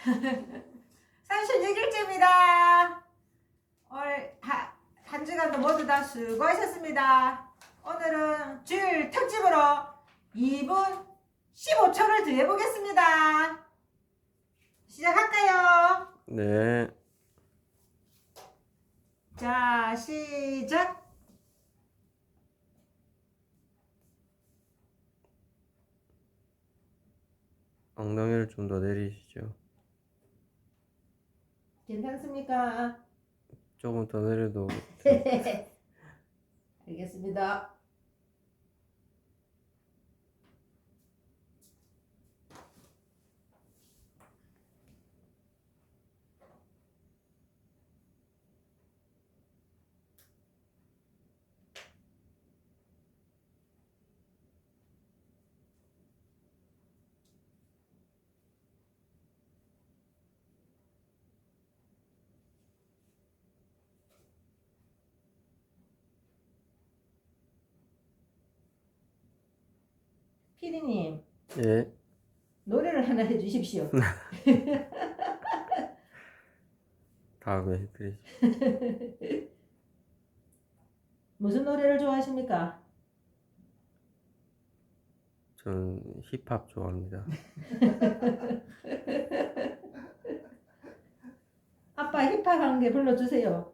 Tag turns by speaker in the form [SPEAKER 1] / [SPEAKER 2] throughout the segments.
[SPEAKER 1] 36일째입니다. 오늘 한 주간도 모두 다 수고하셨습니다. 오늘은 주일 특집으로 2분 15초를 드려보겠습니다. 시작할까요?
[SPEAKER 2] 네.
[SPEAKER 1] 자, 시작!
[SPEAKER 2] 엉덩이를 좀 더 내리시죠.
[SPEAKER 1] 괜찮습니까?
[SPEAKER 2] 조금 더 내려도
[SPEAKER 1] 알겠습니다. 피디님,
[SPEAKER 2] 예.
[SPEAKER 1] 노래를 하나 해주십시오.
[SPEAKER 2] 다음에 해드리죠.
[SPEAKER 1] 무슨 노래를 좋아하십니까?
[SPEAKER 2] 저는 힙합 좋아합니다.
[SPEAKER 1] 아빠 힙합 한 개 불러주세요.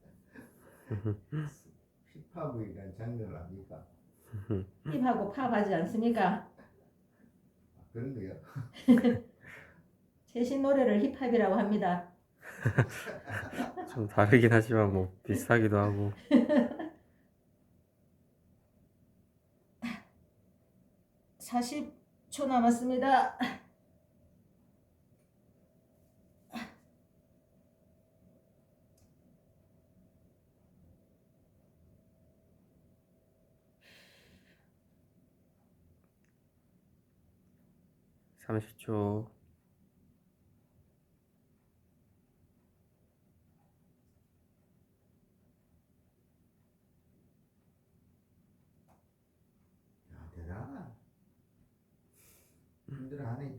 [SPEAKER 3] 힙합이란 장르를 압니까?
[SPEAKER 1] 힙하고 팝 하지 않습니까?
[SPEAKER 3] 그런 거요?
[SPEAKER 1] 최신 노래를 힙합이라고 합니다.
[SPEAKER 2] 좀 다르긴 하지만 뭐 비슷하기도 하고.
[SPEAKER 1] 40초 남았습니다.
[SPEAKER 2] (30초)
[SPEAKER 3] 야, 대단하다. 힘들어하네.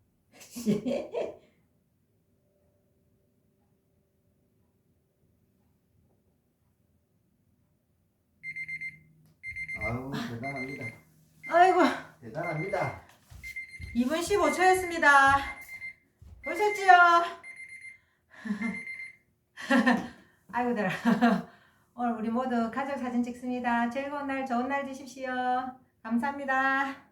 [SPEAKER 3] 아유, 대단합니다.
[SPEAKER 1] 아이고,
[SPEAKER 3] 대단합니다.
[SPEAKER 1] 2분 15초였습니다. 보셨지요? 아이고, 들어. 오늘 우리 모두 가족 사진 찍습니다. 즐거운 날, 좋은 날 되십시오. 감사합니다.